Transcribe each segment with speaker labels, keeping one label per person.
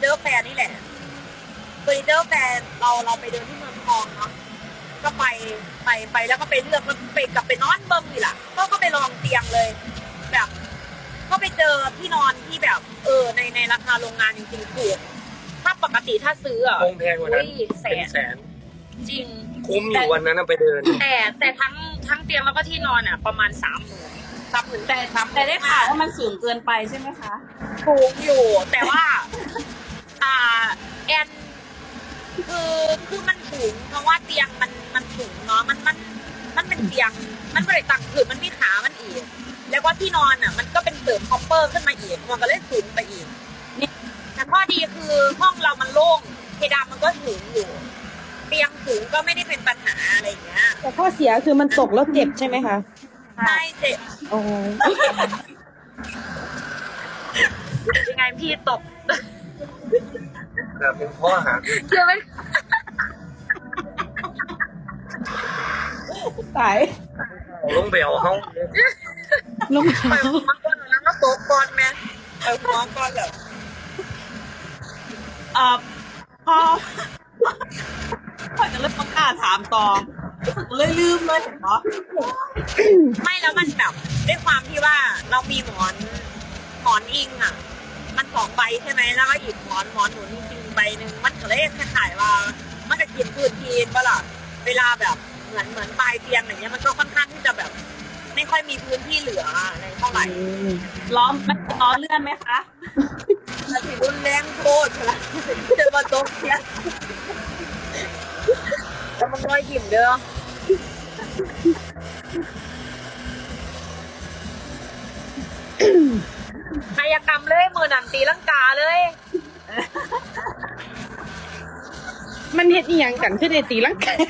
Speaker 1: เจอร์แฟร์นี่แหละเฟอร์นิเจอร์แฟร์เราไปเดินที่เมืองทองเนาะก็ไปแล้วก็ไปเลือกแล้วไปกลับไปนอนเบิ้งนี่แหละก็ไปลองเตียงเลยแบบก็ไปเจอที่นอนที่แบบในราคาโรงงานจริงๆถูกถ้าปกติถ้าซื้ออ่ะ
Speaker 2: คงแพงกว่านั้น
Speaker 1: แส
Speaker 2: เป็น
Speaker 1: น
Speaker 2: แสน
Speaker 1: จริง
Speaker 2: คุ้มอยู่วันนั้นนะไปเดิน
Speaker 1: แต่ทั้งเตียงแล้วก็ที่นอนอ่ะประมาณ30,000
Speaker 3: แต่ได้ข่าวว่ามันสูงเกินไปใช่ไหมคะ
Speaker 1: ถูกอยู่แต่ว่าแอนคือมันสูงเพราะว่าเตียงมันสูงเนาะมันเป็นเตียงมันไม่ได้ตั้งคือมันมีขามันอีกแล้วก็ที่นอนอ่ะมันก็เป็นเสริมคอปเปอร์ขึ้นมาอีกมันก็เลยสูงไปอีกแต่ข้อดีคือห้องเรามันโล่งเพดานมันก็สูงอยู่เตียงสูงก็ไม่ได้เป็นปัญหาอะไรอย่างเงี้ย
Speaker 4: แต่ข้อเสียคือมันตกแล้วเจ็บใช่ไหมคะ
Speaker 1: ใช่เจ็บ
Speaker 4: โอ้
Speaker 1: ยังไงพี่ตก
Speaker 2: แต่เป็นข้อหา
Speaker 1: เชื่อไหม
Speaker 4: ตาย
Speaker 2: ลงเบลเขา
Speaker 4: ลง
Speaker 1: ไปมันก็นั้นก็โตก่อนแม่ไปหัวก่อนเหรอ
Speaker 3: พอจะเริ่มประกล้าศถามต่อเลยลืมเลยเห็นปะ
Speaker 1: ไม่แล้วมันแบบด้วยความที่ว่าเรามีหมอนอิงอ่ะ มัน2 ใบใช่ไหมแล้วก็อีกหมอนหนุนจริงๆใบหนึ่งมันก็เลยคล้ายๆว่ามันจะกินพื้นที่ปะล่ะเวลาแบบเหมือนปลายเตียงอย่างเงี้ยมันก็ค่อนข้างที่จะแบบ ไม่ค่อยมีพื้นที่เหลืออะไรเท่าไหร่
Speaker 3: ล้อเลื่อนไหมคะ
Speaker 1: มันถือรุนแรงโคตรละจะมาตกเนี่ยแล้วมันน้อยยิ้มเด้อกายกรรมเลยมือหนังตีลังกาเลย
Speaker 4: มันเฮ็ดอีหยังกันคือได้ตีลังกาน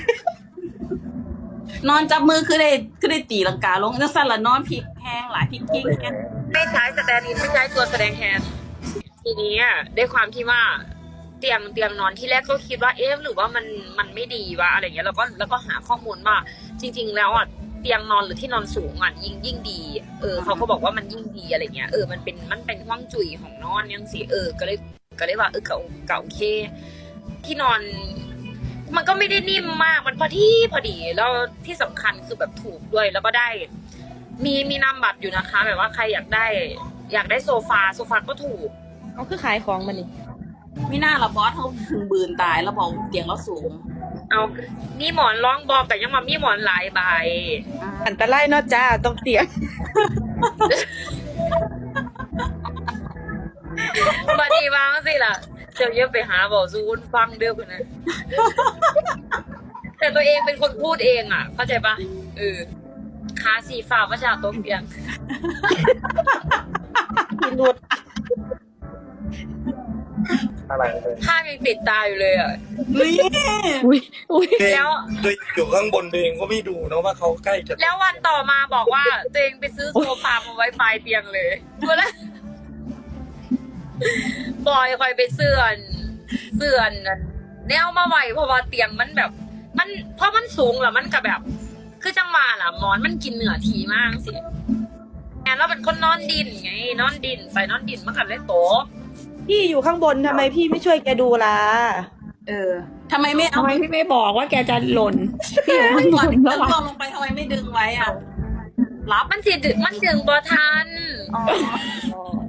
Speaker 3: อนจับมือคือได้ตีลังกาลงจังสั่นละนอนพลิกแห้งหลายพลิกกิ้งแห้ง
Speaker 1: ไม่ใช้สแตนด์อินไม่ใช้ตัวแสดงแทนทีนี้อ่ะด้วยความที่ว่าเตียงนอนที่แรกก็คิดว่าเอ๊ะหรือว่ามันไม่ดีวะอะไรเงี้ยแล้วก็หาข้อมูลว่าจริง ๆ แล้วอ่ะเตียงนอนหรือที่นอนสูงอ่ะยิ่งดีเขาก็บอกว่ามันยิ่งดีอะไรเงี้ยมันเป็นห้องจุ๋ยของนอนยังสิก็เลยว่าเก่าโอเคที่นอน มันก็ไม่ได้นิ่มมากมันพอดีแล้วที่สำคัญคือแบบถูกด้วยแล้วก็ได้มีนามบัตรอยู่นะคะแบบว่าใครอยากได้โซฟาก็ถูก
Speaker 4: เขาคือขายของมันนี่
Speaker 3: ไม่น่าละบอสเขาถึงบืนตายแล้วบอกเตียงเราสูง
Speaker 1: เอามีหมอนรองบอกแต่ยังมามีหมอนหลายใบ
Speaker 4: อันตรายเนาะจ้าต้องเตียง
Speaker 1: บัดนี้วางสิล่ะเจ้าเยอะไปหาบอกซูนฟังเด้อคนนั้นแต่ตัวเองเป็นคนพูดเองอ่ะเข้าใจปะขาสีฟ้าว่าจะโต๊ะเตียง
Speaker 4: พิรุด
Speaker 2: อะไรเลย
Speaker 1: ภาพยังติดตาอยู่เลยอ่ะ
Speaker 3: นี่
Speaker 4: อุ้ย
Speaker 1: แล้ว
Speaker 2: โดยอยู่ข้างบนเองก็ไม่ดูนะว่าเขาใกล้จะ
Speaker 1: แล้ววันต่อมาบอกว่าตัวเองไปซื้อโซฟามาไว้ปลายเตียงเลยตัวละบอยคอยไปเสื่อนแนวมาไหวเพราะว่าเตียงมันแบบเพราะมันสูงแล้วมันก็แบบ คือจังหวะล่ะหมอนมันกินเหนือทีมากสิแอนเราเป็นคนนอนดินไงนอนดินไปนอนดินมันกันเลยโตะ
Speaker 4: พี่อยู่ข้างบนทำไมพี่ไม่ช่วยแกดูล่ะ
Speaker 3: ทำไมไม่เอา
Speaker 5: ทำไมพี่ไม่บอกว่าแกจะหล่นพี่อยู่ข้างบน
Speaker 3: แล้
Speaker 5: แล้ว ว
Speaker 3: ล
Speaker 5: อะ
Speaker 3: งไปทำไมไม่ดึงไว้อ่ะรับ
Speaker 1: มันดึงบอทัน
Speaker 3: อ๋อ